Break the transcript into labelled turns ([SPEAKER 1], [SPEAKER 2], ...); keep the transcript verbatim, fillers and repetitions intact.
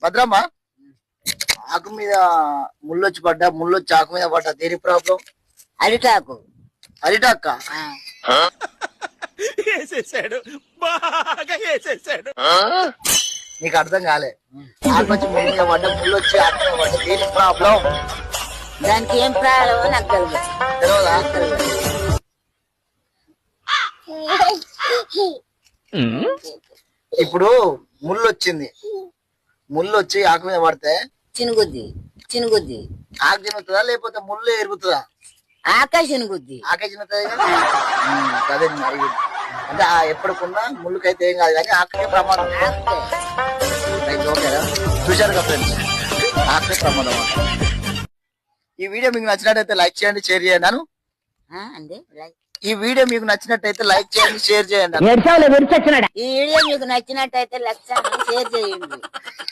[SPEAKER 1] భద్రమ్మ ఆకు మీద ముళ్ళొచ్చి పడ్డా ముళ్ళొచ్చి ఆకు మీద పడ్డా దేని ప్రాబ్లం?
[SPEAKER 2] అరిటాకు.
[SPEAKER 1] అరిటాక్క
[SPEAKER 3] వేసేసాడు, బాగా వేసేసాడు.
[SPEAKER 1] నీకు అర్థం కాలే. ఆకు వచ్చి ముళ్ళ మీద పడ్డా ముళ్ళొచ్చి ఆకు మీద పడ్డా దేని ప్రాబ్లం?
[SPEAKER 2] దానికి ఏం ప్రాబ్లమో నాకు తెలియదు.
[SPEAKER 1] తెలియదా? ఇప్పుడు ముళ్ళు వచ్చింది, ముళ్ళు వచ్చి ఆకు మీద పడితే
[SPEAKER 2] చినుగుద్ది చినుగుద్ది.
[SPEAKER 1] ఆకు చినుగుతుందా లేకపోతే ముళ్ళు ఎరుగుతుందా?
[SPEAKER 2] ఆక చినుగుద్ది.
[SPEAKER 1] ఆకే చినుగుతుంది కదా. అదే నేను అడిగింది. అంటే ఆ ఎప్పటికున్నా ముళ్ళకైతే ఏం కాదు కానీ ఆకే ప్రమాదం. రైట్, ఓకేనా? చూశారు కదా ఫ్రెండ్స్, ఆకే ప్రమాదం. ఈ వీడియో మీకు నచ్చినట్టయితే లైక్ చేయండి, షేర్ చేయండి. అను
[SPEAKER 2] అండి
[SPEAKER 1] ఈ వీడియో మీకు నచ్చినట్టయితే లైక్ చేయండి, షేర్ చేయండి.
[SPEAKER 2] ఈ వీడియో మీకు నచ్చినట్టయితే లక్ష షేర్ చేయండి.